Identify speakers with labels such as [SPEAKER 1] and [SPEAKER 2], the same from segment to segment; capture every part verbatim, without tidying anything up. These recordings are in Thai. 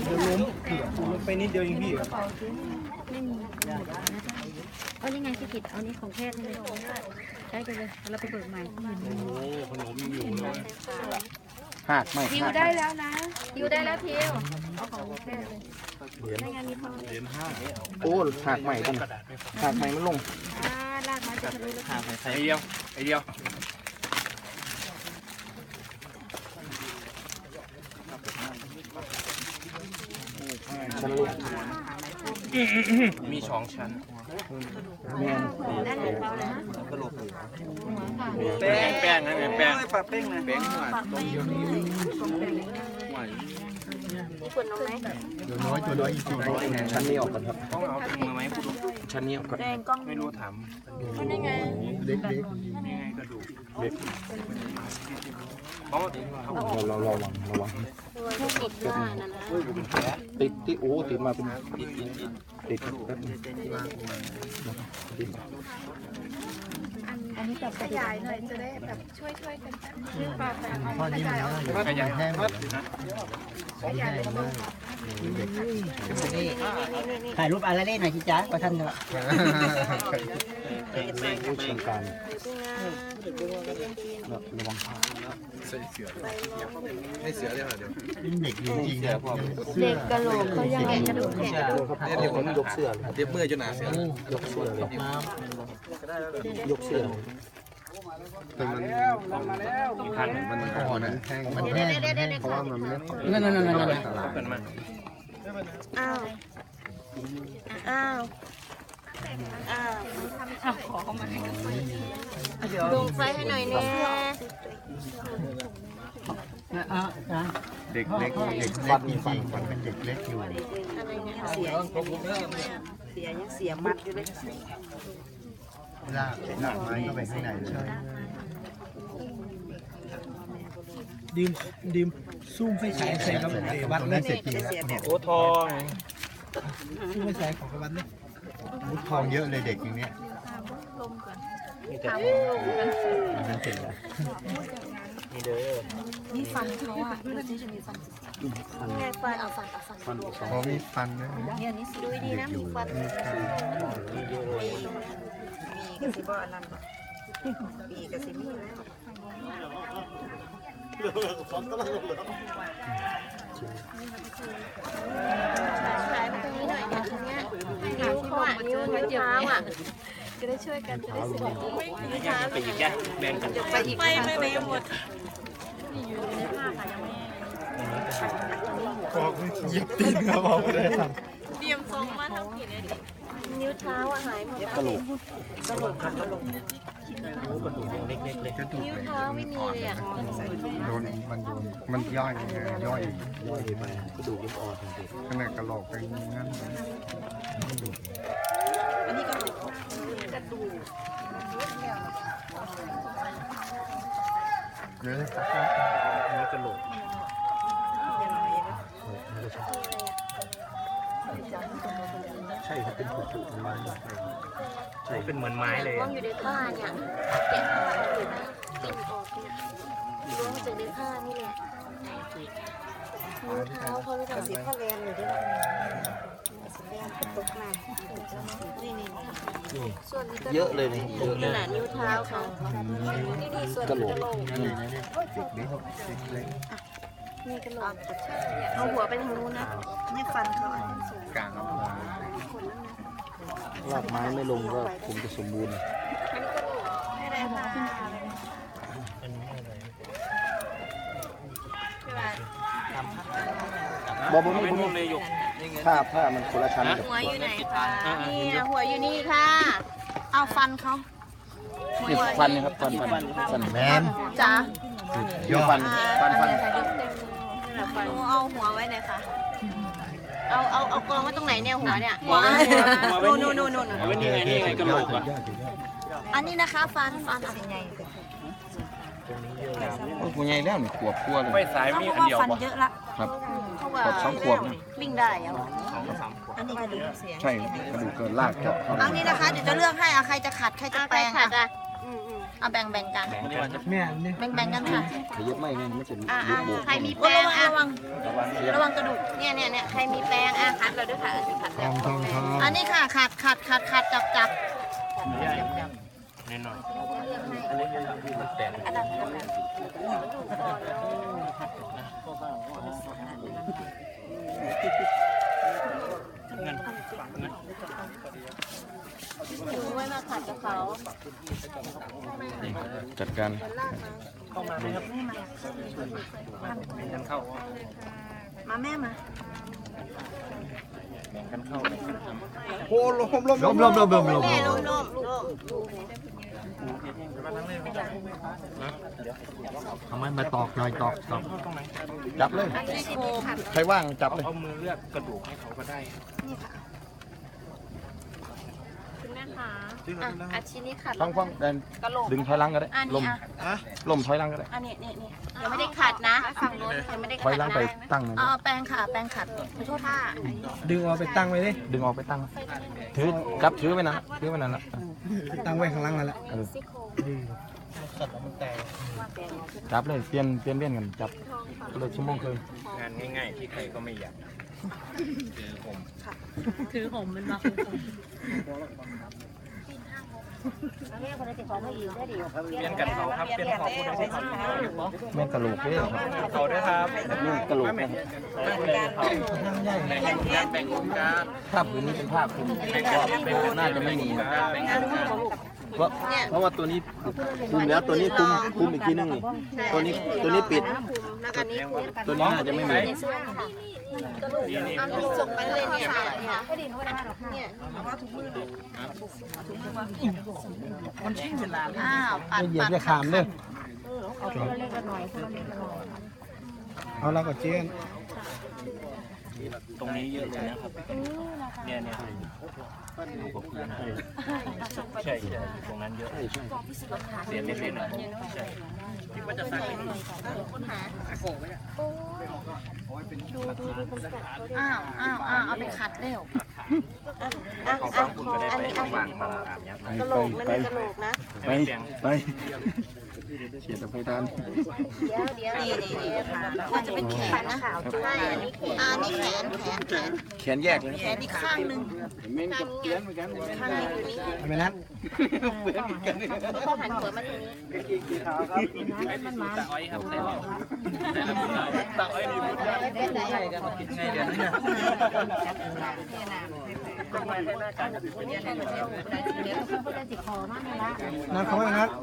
[SPEAKER 1] ดี๋ยวล้มล้มไปนิดเดียวเองพี่
[SPEAKER 2] ไม่มีเอานี่ไงพี่กิตเอานี่ของแพทย์เลยได้ไปเลยเราไปเบิกใหม่โอ้ขนมอยู่เลย
[SPEAKER 3] หักไม่
[SPEAKER 2] ทิวได้แล้วนะทิวได้แล้วทิวเอาของแพทย์เลยได้งานมีทองเหรียญห้า
[SPEAKER 3] โอ้หักใหม่ดิหักใหม่มันลง
[SPEAKER 2] อ่าลากมาจะทะลุแล้วหัก
[SPEAKER 1] ไอเดียวไอเดียว
[SPEAKER 3] ชั้นลูก
[SPEAKER 1] มีสองชั้น
[SPEAKER 3] แม่น
[SPEAKER 1] แป้งแป้งนะแป้งปลาแป้งนะแป้งหวานลงเยอะนี่หวาน
[SPEAKER 2] มีคนน้องไหม
[SPEAKER 3] ตัวน้อยตัวน้อยจริงๆชั้นนี้ออกกันครับ
[SPEAKER 1] ต้องเอาถุงมาไหมพูด
[SPEAKER 3] ชั้นนี้ออกกัน
[SPEAKER 1] ไม่รู้ถาม
[SPEAKER 2] มันยังไง
[SPEAKER 3] เล็กเล็ก
[SPEAKER 1] ยังไงกระดูก
[SPEAKER 3] เล็กเราเราระวังระวัง
[SPEAKER 2] ติดว่านั่นนะ
[SPEAKER 3] ติดที่โอ้ติดมาเป็นติดติดแป๊บนึง
[SPEAKER 2] อันนี้แบบขยายหน่อยจะได้แบบช่วยช่วยกันชื่อปลาแต่
[SPEAKER 3] พอนี้มันขยายแห้ง
[SPEAKER 4] ถ่ายรูปอะไรเล่นหน่อยสิจ๊ะประท่านเถอะ
[SPEAKER 3] ผู้เชี่ยวชาญระวังผ้า
[SPEAKER 1] ใส่เสือให้เสือได้ไหมเดี๋ยว
[SPEAKER 3] เด็กจริงๆเนี่ย
[SPEAKER 2] เด็กกระโหลกเขายังไงกระดูกแข็งกระดูก
[SPEAKER 3] เนี่ยเดี๋ยวผมยกเสื้อ
[SPEAKER 1] เดี๋ยวเมื่อจะหนาเสื
[SPEAKER 3] อยกเสื้อเลยยกเสื้อแต่มัน
[SPEAKER 1] พันมัน
[SPEAKER 3] อ่อนนะแห้งมันแห้งเพราะว่ามันไม่
[SPEAKER 4] นั่นนั่นนั่นนั่น
[SPEAKER 1] เป็นมัน
[SPEAKER 2] อ้าวอ้าวอ้าวเอาขอเข้ามาลงไฟให้หน่อยเนี่ย
[SPEAKER 3] เด็กเล็กเด็กฟันจริงๆฟันเป็นเด็กเล็กอยู่
[SPEAKER 2] เสียเสียยังเสียมัดอยู่เลย
[SPEAKER 3] ลากหนักไม้ก็ไปข้างในเลย
[SPEAKER 1] ดิมดิมซุ่มไฟฉายใส่กับวัดนั่นเสร็จจริงแล้วโอ้ทองซุ่มไฟฉายของวัดนี่
[SPEAKER 3] มุดทองเยอะเลยเด็กอย่างเนี้ยมันเสร็จแล้ว
[SPEAKER 1] นี่เด้อ
[SPEAKER 2] นี่ฟันเขาอ่ะดูสิจะมีฟันไงฟันเอาฟันเอาฟัน
[SPEAKER 3] ฟันพอมีฟันนะ
[SPEAKER 2] เนี่ยนี่ดูดีนะมีฟันมีกระสีบ่อนั่นมีกระสีมีฉายมาตรงนี้หน่อยเนี่ยตรงเนี้ยนิ้วเขาอ่ะนิ้วนิ้วเท้าอ่ะจะได้ช่วยกันจะได้สวยนิ้วเท้า
[SPEAKER 1] ไปอีกแกแบ่งกัน
[SPEAKER 2] ไปอีกไปไม่ไม่หมด
[SPEAKER 1] บอกเหยียบตีนครับบอกเลย
[SPEAKER 2] เตรียมทรงมาทั้งผิดเลยนิ้วเท้าอ่ะหายหมด
[SPEAKER 3] กระโหลก
[SPEAKER 2] กระโหลกกระโหลก
[SPEAKER 1] กระดูกเล็กๆเลย
[SPEAKER 2] นิ้วเท้าไม่มีเลยอ่ะ
[SPEAKER 3] โดนมันโดนมันย่อยย่อยย่อยไปกระดูกยังอ่อนอยู่ขนาดกระโหลกเป็นงั้น
[SPEAKER 2] อันนี้กระดูกกระดูก
[SPEAKER 3] เนื้อ
[SPEAKER 1] นี่กระโหลก
[SPEAKER 3] ใช่ครับเป็นผุผุไม้
[SPEAKER 1] ใช่เป็นเหมือนไม้เลย
[SPEAKER 2] ว่างอยู่ในผ้าเนี่ยเก็บอยู่นะติดออกเนี่ยล้วงมาจากในผ้านี่แหละนิ้วเท้าเขาไม่ต้องสีผ้าแลนอยู่ด้วยสีแดงตกมานี่นี่ส่วนนี้ก็
[SPEAKER 3] เยอะเลยนี่เยอะ
[SPEAKER 2] ขนาดนิ้วเท้าเขานี่นี่ส่วนกระโหลก
[SPEAKER 3] นี่นี่นี่เล็ก
[SPEAKER 2] นี่กระโหลกเอาหัวไปทางนู้นนะนี่ฟันเขาอ่ะ
[SPEAKER 3] กลางครับรากไม้ไม่ลงก็คงจะสมบูรณ์
[SPEAKER 2] ไม่ได้ค่ะ
[SPEAKER 3] บอกบอกไม่รู้เลยยกผ้าผ้ามันคนละชั้น
[SPEAKER 2] หัวอยู่ไหนคะนี่หัวอยู่นี่ค่ะเอาฟันเขา
[SPEAKER 3] นี่ฟันนะครับฟันฟันฟันแมน
[SPEAKER 2] จ้า
[SPEAKER 3] เยอะฟันฟันฟัน
[SPEAKER 2] เอาหัวไว้ไหนคะเอาเอาเอากองไว้ตรงไหนเนี่ยหัวเนี่ยหัวโน่นโน่นโน่นโน่น
[SPEAKER 1] ไว้นี่ไงนี่ไงกระโหลกอ่ะ
[SPEAKER 2] อันนี้นะคะฟันฟันอะไรไง
[SPEAKER 3] โอ้ยใหญ่แล้วนี่ขวบขั้วเลย
[SPEAKER 1] ไฟสายมีอันเดียว
[SPEAKER 2] ฟันเยอะละ
[SPEAKER 3] ครับขวบสองขวบ
[SPEAKER 2] วิ่งได้เหรออันนี้กระดูกเสีย
[SPEAKER 3] ใช่กระดูกเกินลากเจาะ
[SPEAKER 2] อันนี้นะคะเดี๋ยวจะเลือกให้อะใครจะขัดใครจะแปลงค่ะเอาแบ่งแบ่งกัน
[SPEAKER 1] แม่นี่
[SPEAKER 2] แบ่งแบ่งกันค่ะ
[SPEAKER 3] ขยับไม่ไงไม่ใช่
[SPEAKER 2] อ่าใครมีแป้งอ่ะระวังระวังกระดูกเนี่ยเนี่ยเนี่ยใครมีแป้งอ่ะคัดเราด้วยค่ะคัด
[SPEAKER 3] ทองทองทอง
[SPEAKER 2] อันนี้ค่ะขัดขัดขัดขัดจับจับ
[SPEAKER 5] แน่นอน
[SPEAKER 2] อันนั้นดูไว้มาขัดกับเขา
[SPEAKER 3] จัดการ
[SPEAKER 2] มาแม่มา
[SPEAKER 1] โอ้ลมลม
[SPEAKER 3] ล้มล้มล้มล้มล้ม
[SPEAKER 2] แม่ล้มล้มล้ม
[SPEAKER 3] ทำไมมาตอกหน่อยตอกตอกจับเลย
[SPEAKER 2] ซี่โครง
[SPEAKER 3] ใครว่างจับเลย
[SPEAKER 5] เอามือเลือกกระดูกให้เขาก็ได้
[SPEAKER 2] นี่ค่ะคุณแม่คะอ่ะอาชิ้นนี้ขัด
[SPEAKER 3] ฟังฟังแดน
[SPEAKER 2] กระโหลก
[SPEAKER 3] ดึงถอยหลังก็ได้
[SPEAKER 2] อัน
[SPEAKER 3] ล
[SPEAKER 2] นี้
[SPEAKER 3] ม
[SPEAKER 2] อ่ะ
[SPEAKER 3] ลมถอยหลังก็ได้
[SPEAKER 2] อันนี้นี่นี่ยังไม่ได้ขัดนะฝั่งโน้นยังไม่ได้
[SPEAKER 3] ถ
[SPEAKER 2] ขั
[SPEAKER 3] อย
[SPEAKER 2] ด
[SPEAKER 3] หลัง
[SPEAKER 2] นะ
[SPEAKER 3] ไปตั้งเลย
[SPEAKER 2] อ๋อแปรงค่ะแปรงขัดขอโทษค่ะ
[SPEAKER 1] ดึงเอาไปตั้งไว้ดิ
[SPEAKER 3] ดึงออกไปตั้งถือจับถือไว้นั่นถือไว้นั่นละ
[SPEAKER 1] ตั้งไว้ข้างล่างนั่นแหละ
[SPEAKER 3] เออ
[SPEAKER 2] ซี่โครง
[SPEAKER 1] ดี
[SPEAKER 3] จับเลยเปลี่ยนเปลี่ยนเปลี่ยนกันจับก็เลยชั่วโมงคืน
[SPEAKER 5] งานง่ายๆที่ใครก็ไม่อยากคือผม
[SPEAKER 2] ถือผมมันมา
[SPEAKER 5] เปลี่ยนกันเขาครับเปลี่ยนเขาพูดได้ครับ
[SPEAKER 3] แม่งกระโหลกด้วยเหรอ
[SPEAKER 5] เขาด้วยครับ
[SPEAKER 3] แบบนี้กระโหลกนะ
[SPEAKER 1] นั่งใหญ่
[SPEAKER 5] แบ่งการแบ่งการ
[SPEAKER 3] ภาพพื้นนี้เป็นภาพคุณ
[SPEAKER 5] แบ่งการแบ่ง
[SPEAKER 3] น่าจะไม่มีนะ
[SPEAKER 5] แบ่งการ
[SPEAKER 3] เพราะเพราะว่าตัวนี้คุมแล้วตัวนี้คุมคุมอีกทีนึงนี่ตัวนี้ตัวนี้ปิด
[SPEAKER 2] แล้วกันนี้
[SPEAKER 3] ตัวนี้น่าจะไม่มี
[SPEAKER 2] เอาลูกส่งไปเลยเนี่ยเนี่ยเนี่ยอ้าวปัด
[SPEAKER 1] เหยียบ
[SPEAKER 2] ปัด
[SPEAKER 1] จะขามเลยเอาแล้วก็เจ๊
[SPEAKER 5] ตรงนี้เยอะเลยนะครับเนี่ยเนี่ยใช่ใช่ตรงนั้นเยอะเสียไม่เป็นอ่ะใช่คิดว่าจะสั่ง
[SPEAKER 2] อ้าวอ้าวอ้าวเอาไปขัดเร็วอ่ะ
[SPEAKER 5] เขา
[SPEAKER 2] อ่ะ
[SPEAKER 5] ฟังคุณก็ได้ไปวางมาอาบน้ำ
[SPEAKER 3] ไป
[SPEAKER 2] กระโหลกมัน
[SPEAKER 3] ไป
[SPEAKER 2] เป็นกระโหลกนะ
[SPEAKER 3] ไปไปเฉียดไปทาน
[SPEAKER 2] เดี๋ยวเดี๋ยวนี่นี่นี่มันจะเป็นแขนนะใช่อันนี้แขนอันนี้แขนแขนแขน
[SPEAKER 3] แขนแยกเลย
[SPEAKER 2] แขนอีกข้างหนึ่งข้างนี้ข้างนี้อยู่นี่
[SPEAKER 1] ทำไมนั้น
[SPEAKER 2] ก็หันหัวมาทางนี้
[SPEAKER 5] ตาอ้อยครับตาอ้อยมีบุญได้ไงเดี๋ยวนี้นะ
[SPEAKER 1] นั่งเขาไว้งั้น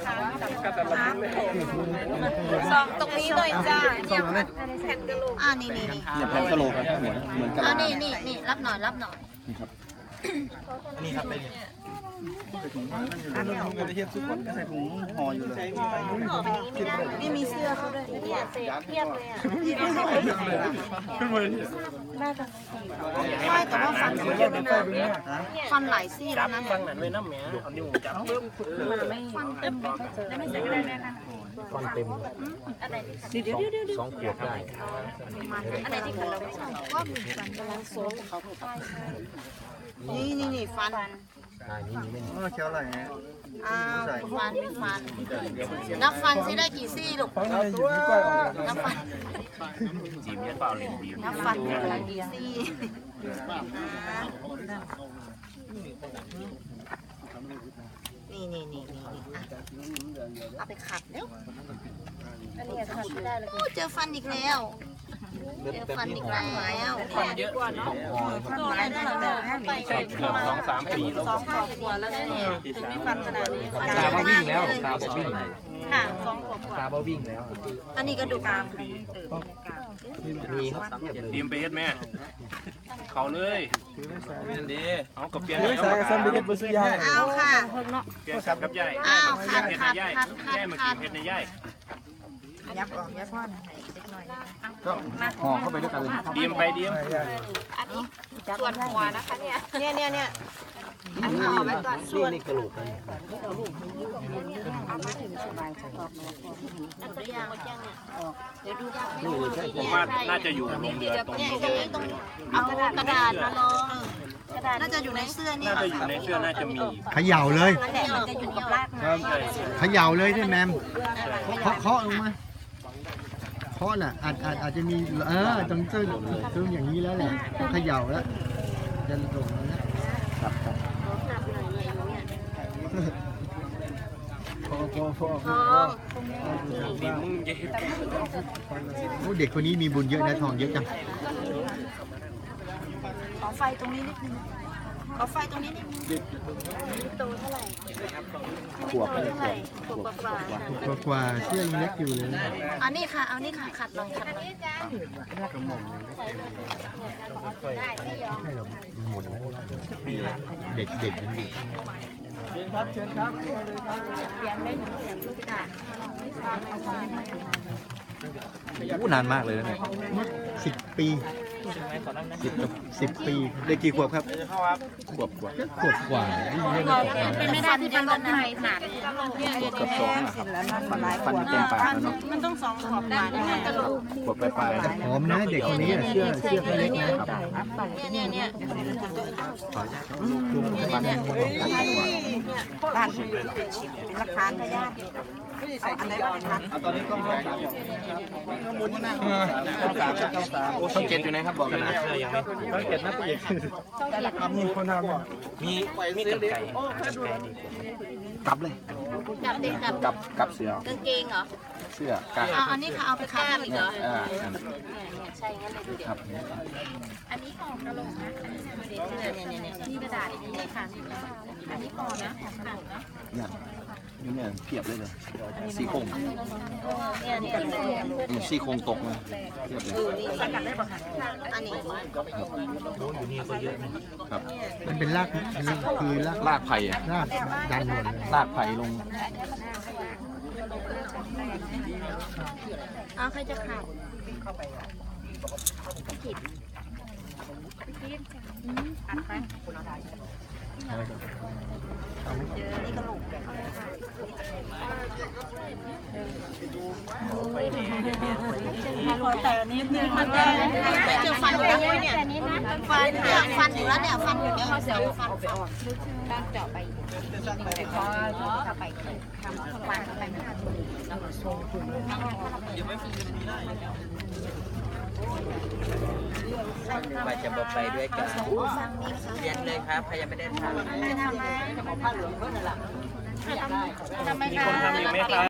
[SPEAKER 2] สองตรงนี้เลยจ้า
[SPEAKER 1] ส่งมาเลย
[SPEAKER 2] อ่านี่นี่นี่
[SPEAKER 3] เนี่ยแผ่นกระโหลกอะเหมือนเหมือนกระ
[SPEAKER 2] อ่า
[SPEAKER 3] ลา
[SPEAKER 2] นี่นี่นี่รับหน่อยรับหน่อย
[SPEAKER 5] นี่ครับไป
[SPEAKER 1] เทียบทุกคนใส่ถุงห่ออยู่เลย
[SPEAKER 2] นี่มีเสื้อเขาด้วยเนี่ยเศษเทียบเลยอ่ะไม่แต่ว่าฟันเขาเยอะนะฟันหลายซี่แล้วนะ
[SPEAKER 5] ฟังนั้นเลยนะแม่เอานิ้วจับปึ๊บ
[SPEAKER 2] ฟันเต็มเลยไม่ใส่ก็ได้ไหมคะ
[SPEAKER 3] ฟันเต็ม
[SPEAKER 2] อะไรดี
[SPEAKER 3] สองขวบได้
[SPEAKER 2] อะไรที่เราไม่ใช่ก็มีฟันกำลังโซ่เขานี่นี่นี่ฟัน
[SPEAKER 3] อ่านี่นี่ไม่มี
[SPEAKER 1] เออเชียวอะไรเงี้ย
[SPEAKER 2] อ้าวฟันมีฟันนับฟันซิได้กี่ซี่ลูก
[SPEAKER 1] ฟังเลยอยู่ที่กล้วยออก
[SPEAKER 2] นับฟัน
[SPEAKER 5] จีบเนี่ยเปล่าเล่นดี
[SPEAKER 2] นับฟันได้กี่ซี่นี่นี่นี่นี่อ่ะเอาไปขัดเร็วอันนี้ขัดไม่ได้เลยเจอฟันอีกแล้วเจอฟันอีกแล้วฟันเยอะกว่าเนาะตัวอะไรได้เราไป
[SPEAKER 5] ใช่เกือบสองสามปีแล้ว
[SPEAKER 2] สองขวบกว่าแล้วเนี่ยถึงมีฟันขนาดนี้
[SPEAKER 3] ตาบ่วิ่งแล้วตาบ่วิ่ง
[SPEAKER 2] ค่ะสองขวบกว่า
[SPEAKER 3] ตาบ่วิ่งแล้ว
[SPEAKER 2] อันนี้กระดูกกราม
[SPEAKER 3] มีครับเทียบเลย
[SPEAKER 5] ทีมไปเฮ็ดแม่เขาเลยดีเอากับเปลี่ยน
[SPEAKER 1] เฮ้ยสายกับซันไปเก็บบุษยา
[SPEAKER 2] เอาค่ะ
[SPEAKER 5] เปลี่ยนกับกับย่าย
[SPEAKER 2] อ้าว
[SPEAKER 5] เฮ็
[SPEAKER 2] ขัด
[SPEAKER 5] ดใน
[SPEAKER 2] ขัด
[SPEAKER 5] ย่าย
[SPEAKER 2] ขัดขัด
[SPEAKER 5] ย่ายมา
[SPEAKER 2] ขั
[SPEAKER 5] กิ
[SPEAKER 2] ด
[SPEAKER 5] นเฮ็ดในย่าย
[SPEAKER 2] ยับออกยับพ่อนเล็กน้อย
[SPEAKER 3] ก็ห่อเข้าไปด้วยกันเลย
[SPEAKER 5] ดีมไปดีม
[SPEAKER 2] อันนี้ส่วนหัวนะคะเนี่ยเนี่ยเนี่ยเนี่ยอันนี้เอาไว้ก่อนส่วน
[SPEAKER 3] นี่กระโหลกเลย
[SPEAKER 2] อันตัวอย่างเดี๋ยวดูยาก
[SPEAKER 5] ผมว่าน่าจะอยู่ลงเรือตรง
[SPEAKER 2] เนี่ย
[SPEAKER 5] นี้
[SPEAKER 2] ตรงนี้ตรงเอากระดาษมาลองน่าจะอยู่ในเสื้อนี่
[SPEAKER 5] น่าจะอยู่ในเสื้อน่าจะมี
[SPEAKER 3] เขย่าเลย
[SPEAKER 2] นั่นแหละมันจะอยู่กับรากไม้
[SPEAKER 5] ใช่
[SPEAKER 3] เขย่าเลยที่แมมเคาะเคาะลงมาเคาะน่ะอาจอาจอาจจะมีเออตรงตึ้งตึ้งอย่างนี้แล้วแหละต้องเขย่าแล้วจะลงแล้ว
[SPEAKER 2] หนักหน่อยเนี่ยอยู่เนี่ย
[SPEAKER 1] พอพอพอ
[SPEAKER 2] ทอง
[SPEAKER 5] ดิมึงเย็บ
[SPEAKER 3] โอ้เด็กคนนี้มีบุญเยอะนะทองเยอะจัง
[SPEAKER 2] ขอไฟตรงนี้นิดนึงขอไฟตรงนี้นิดนึงโตเท่าไหร่ขวบเท่าไหร่ขวบกว่า
[SPEAKER 3] กว่ากว่าเสื้อยังเล็กอยู่เลย
[SPEAKER 2] เอานี่ค่ะ เอานี่ค่ะ ขัดลองขัดลอง
[SPEAKER 3] ใช่หรอหมดแล้วเด็กเด็กยังอยู่
[SPEAKER 1] เชิญครับเชิญครับ
[SPEAKER 6] อู้นานมากเลยนะเนี่ย
[SPEAKER 3] สิบปีสิบสิบปี
[SPEAKER 6] ได้กี่ขวบครับ
[SPEAKER 3] ขวบกว่าขวบกว่าที่เรียกว่าขวบกว่า
[SPEAKER 2] เป็นไม่ได้ที่เป็นรถไฟหนัก
[SPEAKER 6] เกือบสองอะครับฟันเต็มปากแล้วเนาะ
[SPEAKER 2] มันต้องสองขอบได้แน่กระโหลก
[SPEAKER 6] ขวบปลายๆนะ
[SPEAKER 3] หอมนะเด็กคนนี้อะเสื้อเสื้อเขาเล็กนะ
[SPEAKER 2] เนี่ยเนี่ยเนี่ย
[SPEAKER 6] ฟัน
[SPEAKER 2] บ้านราคาพยาธิอันไหนบ้างคะ
[SPEAKER 1] ตอนนี้ต้องต้องสามต้องสามต้องสาม
[SPEAKER 6] ช่องเจ็ดอยู่ไหนครับบอกกันนะ
[SPEAKER 1] ต้องเจ็ดนะพี่เอกมีคนทำอ่ะ
[SPEAKER 5] มีมีกันไก่กันไก่ดีกว่า
[SPEAKER 6] กลับเลย
[SPEAKER 2] กับเด็กกับ
[SPEAKER 6] กลับกลับเสือก
[SPEAKER 2] างเกงเหรอ
[SPEAKER 6] เสื้อกาง
[SPEAKER 2] เอาอันนี้ค่ะเอาไปข้ามอีกเหรอ
[SPEAKER 6] อ่า
[SPEAKER 2] เนี่ยเนี่ยใช่งั้นเลยดูเดี๋ยว
[SPEAKER 6] ครับ
[SPEAKER 2] อันนี้ของกระโหลกนะเนี่ยเนี่ยเนี่ยนี่กระดาษนี่ค่ะอันนี้ก่อนนะของกระโหลกนะ
[SPEAKER 6] เนี่ยนี่เนี่ยเพียบเลยเลยซี่โครง
[SPEAKER 2] เนี่ยนี่ที่เป็น
[SPEAKER 6] อืมซี่โครงตกมาเพียบเลย
[SPEAKER 2] เออนี่สกัดได้ป่ะคะอันนี้
[SPEAKER 5] อยู่นี่ก็เยอะนะครับ
[SPEAKER 3] มันเป็นรากคือราก
[SPEAKER 6] ลากไผ่อะ
[SPEAKER 3] รากดันหมดเลย
[SPEAKER 6] ลากไผ่ลง
[SPEAKER 2] เอาใครจะขาดผิดอัดไปนี่กระโหลกแต่นี้มันจะฟันอยู่แล้วเนี่ยฟันเนี่ยฟันอยู่แล้วเนี่ยฟันอยู่เนี่ยเขาเสียฟันไปออกตั้งเจาะไปแต่พอถ้าไปทำฟันไปไม่ทันแล้วก็โซ่
[SPEAKER 4] ว่าจะบอกไปด้วยกัน
[SPEAKER 2] ฟังนี่ค่ะ
[SPEAKER 4] เรียนเลยครับใครยังไม่ได้ทำ
[SPEAKER 2] ไม่ทำไมทำไม
[SPEAKER 5] มีคนทำอยู่ไหมครับ